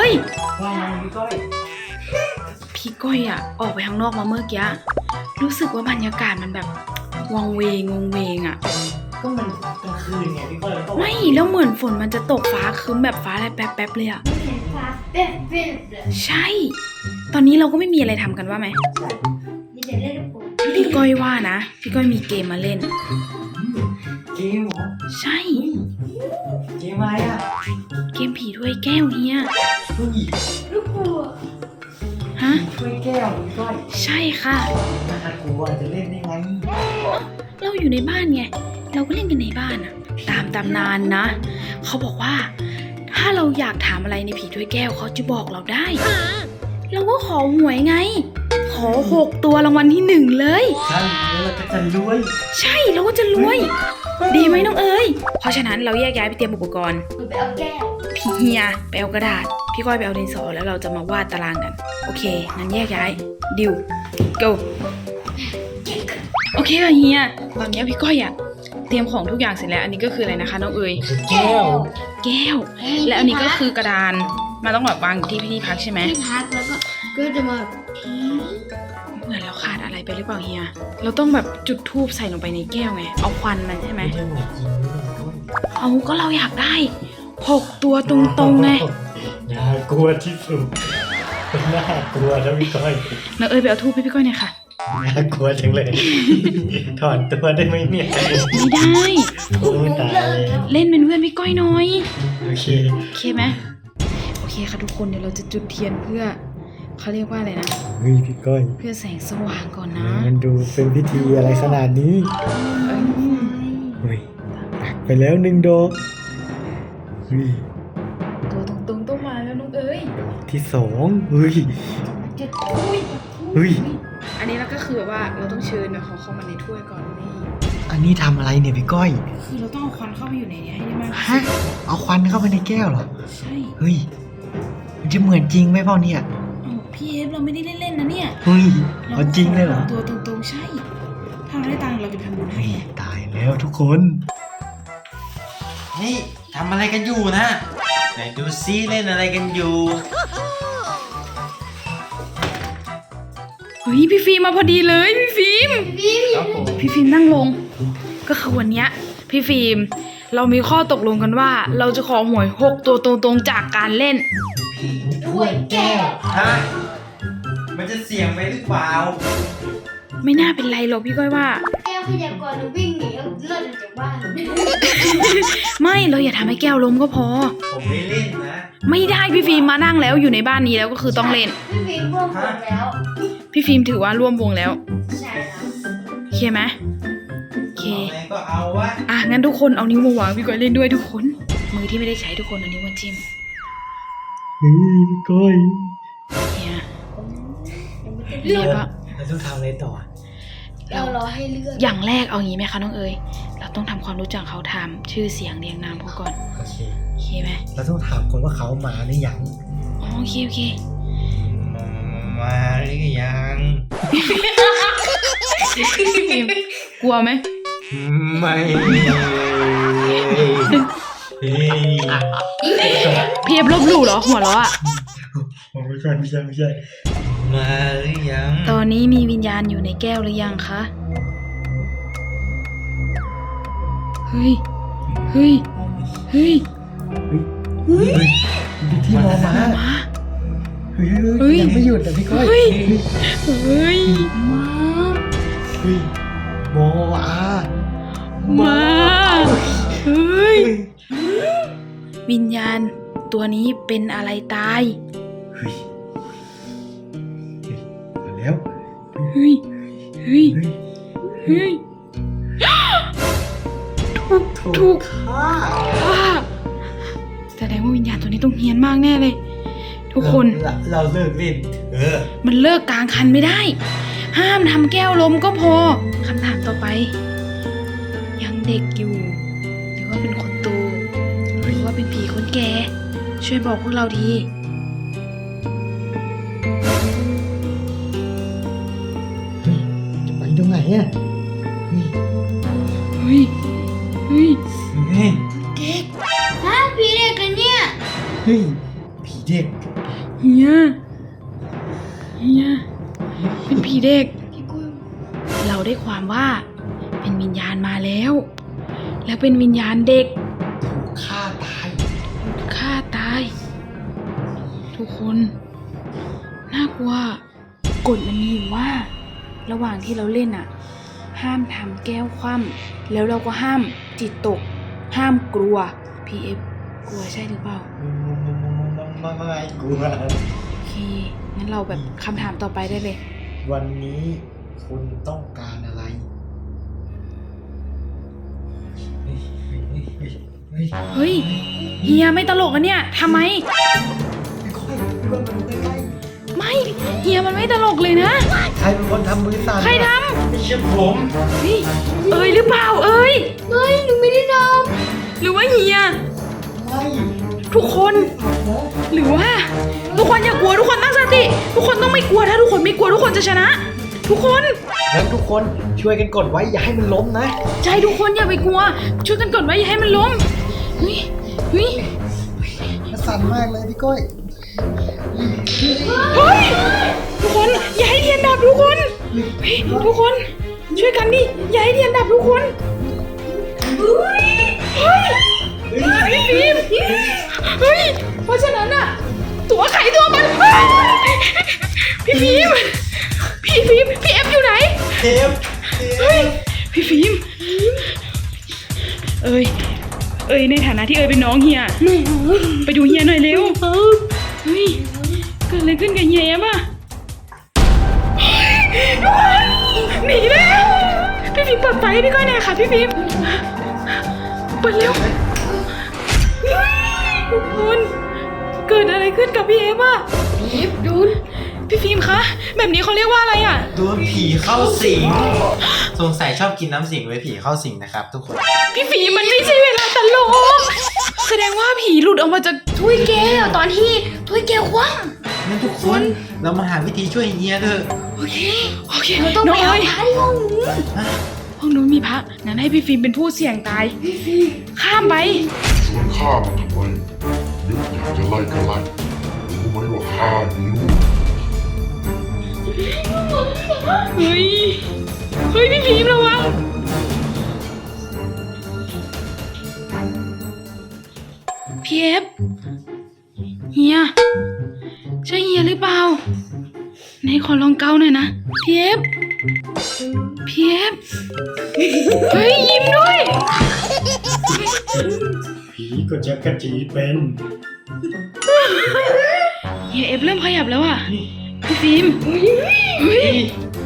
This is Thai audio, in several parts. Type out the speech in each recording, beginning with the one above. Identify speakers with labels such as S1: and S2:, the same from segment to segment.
S1: ย
S2: ว่าไงพี่ก้อย
S1: พี่ก้อยอ่ะออกไปข้างนอกมาเมื่อกี้รู้สึกว่าบรรยากาศมันแบบวังเวงอ่ะ
S2: ก็มันกลางคืนไงพี่ก้อยแล้วก็
S1: ไม่แล้วเหมือนฝนมันจะตกฟ้าครึ้มแบบฟ้าอะไรแป๊บๆเลยอ่ะ
S3: เห็นฟ้าแป๊บๆเลย
S1: ใช่ ตอนนี้เราก็ไม่มีอะไรทำกันว่าไหม
S3: มีแต่เล่นลูกโป่ง
S1: พี่ก้อยว่านะพี่ก้อยมีเกมมาเล่น
S2: เกมเหรอ
S1: ใช่
S2: เกมอะไรอ่ะ
S1: เกมผีถ้วยแก้วเฮีย
S2: ผู้หญิง
S3: ลูกโป่ง
S1: ฮะ
S2: ช่วยแก้วพี่ก้อย
S1: ใช่ค่ะ
S2: น่ากลัวจะเล่นได้ไง
S1: เราอยู่ในบ้านไงเราก็เล่นกันในบ้านอะตามตำนานนะเขาบอกว่า ถ้าเราอยากถามอะไรในผีถ้วยแก้วเขาจะบอกเราได้ เราก็ขอหวยไง ขอ6 ตัวรางวัลที่ 1เลย
S2: ใช่แล้วเราก็จะรวย
S1: ใช่เราก็จะรวย ดีไหมน้องเอ๋ยเพราะฉะนั้นเราแยกย้ายไปเตรียมอุปกรณ์
S3: หนูไปเอาแก้ว
S1: พี่เฮียไปเอากระดาษ พี่ก้อยไปเอาดินสอแล้วเราจะมาวาดตารางกัน โอเคงั้นแยกย้ายดิว go โอเคค่ะเฮียตอนนี้พี่ก้อยอะเตรียมของทุกอย่างเสร็จแล้วอันนี้ก็คืออะไรนะคะน้องเอ๋ย
S2: แก้ว
S1: แก้ว และอันนี้ก็คือกระดานมันต้องแบบวางอยู่ที่พักใช่ไหม
S3: ที่พักแล้วก็จะมาทิ้ง
S1: เหมือนเราขาดอะไรไปหรือเปล่าเฮียเราต้องแบบจุดธูปใส่ลงไปในแก้วไงเอาควันมันใช่ไหม
S2: ไม่ใช่เหมือนจริงนี่พี่ก้อย
S1: เอาก็เราอยากได้6 ตัวตรงๆไง
S2: น่ากลัวที่สุดน่ากลัวนะพี่ก้อย
S1: น้องเอ๋ยไปเอาธูปให้พี่ก้อยหน่อยค่ะ
S2: น่ากลัวจังเลย ถอนตัวได้ไหมเนี่ย
S1: ไม่ได้
S2: โอ้ยตายแล้ว
S1: เล่นเป็นเพื่อนพี่ก้อยหน่อย
S2: โอเค
S1: โอเคไหมโอเคค่ะทุกคนเดี๋ยวเราจะจุดเทียนเพื่อเขาเรียกว่าอะไรนะ
S2: เฮ้ยพี่ก้อย
S1: เพื่อแสงสว่างก่อนนะ
S2: มันดูเป็นพิธีอะไรขนาดนี้เฮ้ยตักไปแล้ว1 ดอกเฮ้ย
S1: ตัวตรงๆต้องมาแล้วน้องเอ๋ย
S2: ดอกที่2เฮ้ย
S3: จุดอุ้ย
S2: เฮ้ย
S1: อันนี้เราก็คือแบบว่าเราต้องเชิญแบบเขาเข้ามาในถ้วยก่อนนี่
S2: อันนี้ทำอะไรเนี่ยพี่ก้อย
S1: คือเราต้องเอาควันเข้าไปอยู่ในนี้ให้ได้มากที่
S2: ฮะ
S1: สุด
S2: เอาควันเข้าไปในแก้วเหรอ
S1: ใช่
S2: เฮ้ย มันจะเหมือนจริงไหมพ่อเนี่ย
S1: เอาพี่เอฟเราไม่ได้เล่นๆนะเนี่ย
S2: เฮ้ยเอาจริงเลยเหรอ
S1: ตัวตรงๆใช่ ถ้าเราได้ตังค์เราจะไปทำบุญให้
S2: เฮ้ยตายแล้วทุกคน
S4: นี่ทำอะไรกันอยู่นะไหนดูซิเล่นอะไรกันอยู่
S1: เฮ้ยพี่ฟิล์มมาพอดีเลยพี่ฟิล์ม
S4: ครับผม
S1: พี่ฟิล์มนั่งลง ก็คือวันเนี้ยพี่ฟิล์มเรามีข้อตกลงกันว่า เราจะขอหวย6 ตัวตรงๆจากการเล่น
S3: ถ้วยแก้ว
S4: ฮะมันจะเสี่ยงไปหรือเปล่า
S1: ไม่น่าเป็นไรหรอกพี่ก้อยว่า
S3: แก้วพยากรณ์วิ่งหนีเอาเลิศออกจากบ้าน
S1: ไม่เราอย่าทำให้แก้วล้มก็พอ
S4: ผมไม่เล่นนะ
S1: ไม่ได้พี่ฟิล์มมานั่งแล้วอยู่ในบ้านนี้แล้วก็คือต้องเล่น
S3: พี่ฟิล์มร่วมหมดแล้ว
S1: พี่ฟิล์มถือว่าร่วมวงแล้ว
S3: ใช่แล้ว
S1: โอเคไหมโอเค
S4: เอาไงก็เอาวะ
S1: อ่ะงั้นทุกคนเอานิ้วมาวางพี่ก้อยเล่นด้วยทุกคน มือที่ไม่ได้ใช้ทุกคนเอานิ้วมาจิ้ม
S2: เฮ้ยพี่ก้อย
S1: เนี่ย
S3: เลื
S1: เรี
S3: อย ก
S1: กว่า
S2: เราต้องทำอะไรต่อ
S3: เรารอให้เลือก
S1: อย่างแรกเอางี้ไหมคะน้องเอ๋ยเราต้องทำความรู้จักเขาทำชื่อเสียงเรียงนามเขาก่อน
S2: โอเค
S1: โอเคไหม
S2: เราต้องถามคนว่าเขามาหรือยัง
S1: อ๋อโอเคโอเค
S4: มาหรือยัง
S1: พี่ฟิล์มกลัวไหม
S4: ไม่เฮ้ย
S1: พี่เอฟลบหลู่เหรอหัวเราะอ่ะ
S2: ผมไม่ใช่ไม่ใช่ไม่ใช่
S4: มาหรือยัง
S1: ตอนนี้มีวิญญาณอยู่ในแก้วหรือยังคะเฮ้ยเฮ้ยเฮ้ย
S2: เฮ้ยที่มอมา
S1: มา
S2: เฮ้ย
S1: เฮ้ย
S2: ยังไม่หยุดแต่พี่ก้อย
S1: เฮ้ย เฮ้ยมา
S2: เฮ้ยมออา
S1: มาเฮ้ยวิญญาณตัวนี้เป็นอะไรตาย
S2: เฮ้ยมาแล้ว
S1: เฮ้ยเฮ้ย
S2: เฮ้ย
S1: เฮ้ยถู
S2: ถู
S1: ก
S2: กฆ่า
S1: ฆ่าแสดงว่าวิญญาณตัวนี้ต้องเฮี้ยนมากแน่เลย ทุกคน
S2: เราเลิกเล่น
S1: มันเลิกกลางคันไม่ได้ ห้ามทำแก้วล้มก็พอคำถามต่อไป ยังเด็กอยู่ หรือว่าเป็นคนโตหรือว่าเป็นผีคนแก่ช่วยบอกพวกเราที
S2: จะไปตรงไหนอ่ะเฮ้ย
S1: เฮ้ยเฮ้ย
S2: เฮ้ย
S3: เด็กฮะพี่เด็กกันเนี่ย
S2: เฮ้ยผีเด็ก
S1: เฮียเป็นผีเด็ก
S3: พี่กุ้ย
S1: เราได้ความว่าเป็นวิญญาณมาแล้ว แล้วเป็นวิญญาณเด็ก
S2: ฆ่าตาย
S1: ฆ่าตาย ทุกคนน่ากลัวกฎมันมีอยู่ว่า ระหว่างที่เราเล่นอ่ะ ห้ามทำแก้วคว่ำแล้วเราก็ห้ามจิตตก ห้ามกลัว PF กลัวใช่หรือเปล่า
S2: ไม่กลัว
S1: โอเคงั้นเราแบบคำถามต่อไปได้เลย
S2: วันนี้คุณต้องการอะไร
S1: เฮ้ยเฮียไม่ตลกอะเนี่ยทำไม ไม่เฮียมันไม่ตลกเลยนะ
S2: ใครเป็นคนทำมือสั่น
S1: ใครท
S4: ไม่ใช่ผม
S1: ำเฮ้ยเอ้ยหรือเปล่าเอ้ย
S3: ไม่หนูไม่ได้ท
S1: หรือว่าเฮีย
S2: ไม่
S1: ทุกคนหรือว่าทุกคนอย่ากลัวทุกคนตั้งสติ ทุกคนต้องไม่กลัวถ้าทุกคนไม่กลัวทุกคนจะชนะ ทุกคน
S2: งั้นทุกคนช่วยกันกดไว้อย่าให้มันล้มนะ
S1: ใจทุกคนอย่าไปกลัว ช่วยกันกดไว้อย่าให้มันล้มเฮ้ย
S2: มันสั่นมากเลยพี่ก้อย
S1: เฮ้ยทุกคนอย่าให้เทียนดับทุกคนเฮ้ยทุกคนช่วยกันดิอย่าให้เทียนดับทุกคนเฮ้ยพี่ฟิล์มเฮ้ยเพราะฉะนั้นอะตัวไข่ตัวมันพี่ฟิล์มพี่เอฟอยู่ไหน
S4: เทป
S1: เฮ้ยพี่ฟิล์มเอ้ยในฐานะที่เอ้ยเป็นน้องเฮียไปดูเฮียหน่อยเร็วเฮ้ยเกิดอะไรขึ้นกับเฮียป่ะหนีแล้วพี่ฟิล์มเปิดไฟให้พี่ก้อยหน่อยค่ะพี่ฟิล์มเปิดเร็วทุกคนเกิดอะไรขึ้นกับพี่เอฟอ่ะพี่ดูพี่ฟิล์มคะแบบนี้เขาเรียกว่าอะไรอ่ะ
S4: โดนผีเข้าสิง สงสัยชอบกินน้ำสิงไว้ผีเข้าสิงนะครับทุกคน
S1: พี่ฟิล์มมันไม่ใช่เวลาตลกแสดงว่าผีหลุดออกมาจาก
S3: ำถ้วยแก้วตอนที่ถ้วยแก้วคว่
S4: งั้นทุกคนเรามาหาวิธีช่วยเฮียเถอะ
S1: โอเค
S3: ำเราต้อง
S1: น้
S3: ไป
S1: อง
S3: เอา
S1: เอ้ย
S3: พระที่ห้องนู้น
S1: ห้องนู้นมีพระงั้นให้พี่ฟิล์มเป็นผู้เสี่ยงตายข้ามไป
S5: ชวนข้ามาทำไมนึกอยากจะไล่ก็ไล่รู้ไหมว่าข้ามีลูก
S1: เฮ้ยพี่ฟิล์มระวังพี่เอฟเฮียใช่เฮียหรือเปล่าไหนขอลองเกาหน่อยนะพี่เอฟเฮ้ยยิ้มด้วย
S2: ผีก็จะกระจีเป็น
S1: เฮียเอฟเริ่มขยับแล้วอ่ะพี่ฟิล์มเฮ้ย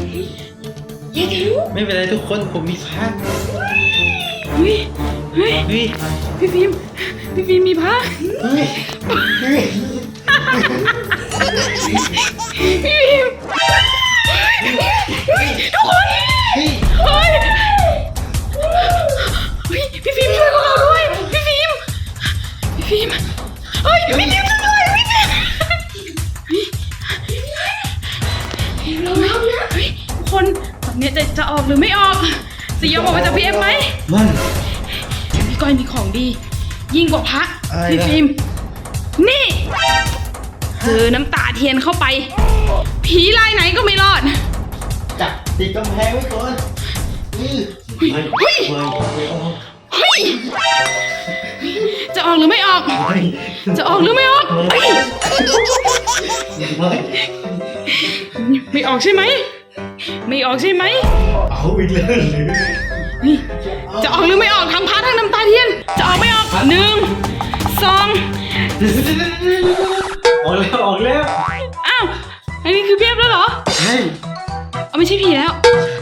S4: ไม่เป็นไรทุกคนผมมีพระ
S1: เฮ้ย
S4: เฮ้ย
S1: พี่ฟิล์มมีพระ
S4: เฮ้ย
S1: พี่ฟิล์มทุกคน
S4: เฮ้ย
S1: เฮ้ยพี่ฟิล์มช่วยพวกเราด้วยพี่ฟิล์มเฮ้ยพี่ฟิล์มช่วยด้วยพี่ฟิล์มเฮ้ยทุกคนแบบนี้จะออกหรือไม่ออกจะยอมออกมาจากพี่เอฟไหม
S4: มัน
S1: พี่ก้อยมีของดี ยิ่งกว่าพระ
S4: อะไร
S1: พี่
S4: ล่ะ
S1: ฟิล์มนี่เจอน้ำตาเทียนเข้าไป ผีลายไหนก็ไม่รอด
S4: จับติดกำแพงไว้ก่อนเฮ้ย
S1: เฮ้ย เฮ้ย จะออกหรือไม่ออก จะออกหรือไม่ออกเฮ้ยไม่ออกใช่ไหม ไม่ออกใช่ไหม
S2: เอาอีกแล้วหรือ
S1: นี่จะออกหรือไม่ออกทั้งพระทั้งน้ำตาเทียน จะออกไม่ออก1 2
S2: ออกแล้ว
S1: อ้าว อันนี้คือเพียบแล้วเหรอ
S2: เฮ้ย
S1: เอาไม่ใช่ผีแล้ว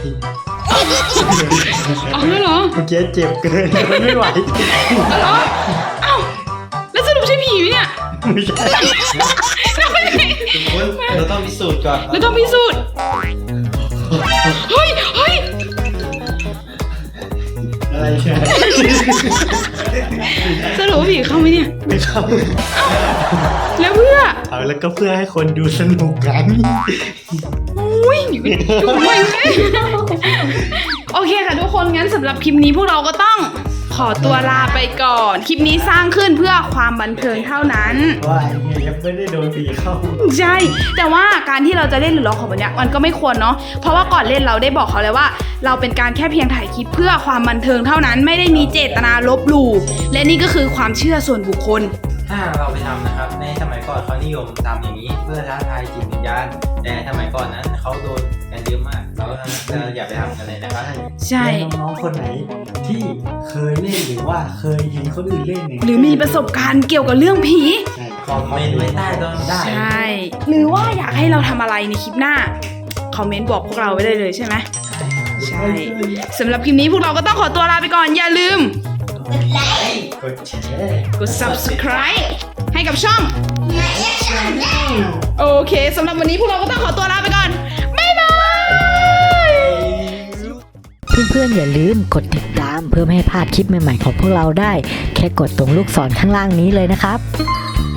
S1: ออกแล้วเหรอ
S2: เมื่อกี้เจ็บเกินไม่ไหว
S1: เหรออ้าว แล้วสรุปใช่ผีไหมเนี่ย
S2: ไม่ใช่
S4: ทุกคนเราต้องพิสูจน์ก่อน
S1: เราต้องพิสูจน์ เฮ้ย
S2: อะไรใช่
S1: สรุปว่าผีเข้าไหมเนี่ย
S2: ไม่เข้า
S1: แล้วเพื่อ
S2: เอาแล้วก็เพื่อให้คนดูสนุกกัน
S1: อุ้ยอยู่ไม่โอเคค่ะทุกคนงั้นสำหรับคลิปนี้พวกเราก็ต้องขอตัวลาไปก่อน คลิปนี้สร้างขึ้นเพื่อความบันเทิงเท่านั้น
S2: ว่าไอ้เนี่ยยังไม่ได้โดนตีเข้า
S1: ใช่ แต่ว่าการที่เราจะเล่นหรือร้องของแบบเนี้ยมันก็ไม่ควรเนาะ เพราะว่าก่อนเล่นเราได้บอกเขาเลยว่า เราเป็นการแค่เพียงถ่ายคลิปเพื่อความบันเทิงเท่านั้น ไม่ได้มีเจตนาลบหลู่ และนี่ก็คือความเชื่อส่วนบุคคล
S4: ถ้าเราไปทำนะครับ ในสมัยก่อนเขานิยมทำอย่างนี้เพื่อท้าทายจิตวิญญาณแต่สมัยก่อนนั้นเขาโดนกันเยอะมากเราอย่าไปทำกันเลยนะครับ
S1: ใช่
S2: แล้วน้องๆคนไหนที่เคยเล่นหรือว่าเคยเห็นคนอื่นเล่นเนี่ย
S1: หรือมีประสบการณ์เกี่ยวกับเรื่องผี
S2: ใช่
S4: คอมเมนต์ไว้ใต้ได้
S1: ใช่ หรือว่าอยากให้เราทำอะไรในคลิปหน้า คอมเมนต์บอกพวกเราไว้ได้เลยใช่ไหม ใช่ สำหรับคลิปนี้พวกเราก็ต้องขอตัวลาไปก่อน อย่าลืม
S2: กดแชร์
S1: กด subscribe ให้กับช่อง โอเคสำหรับวันนี้พวกเราก็ต้องขอตัวลาไปก่อน บ๊ายบาย
S6: เพื่อนๆอย่าลืมกดติดตามเพื่อไม่ให้พลาดคลิปใหม่ๆของพวกเราได้ แค่กดตรงลูกศรข้างล่างนี้เลยนะครับ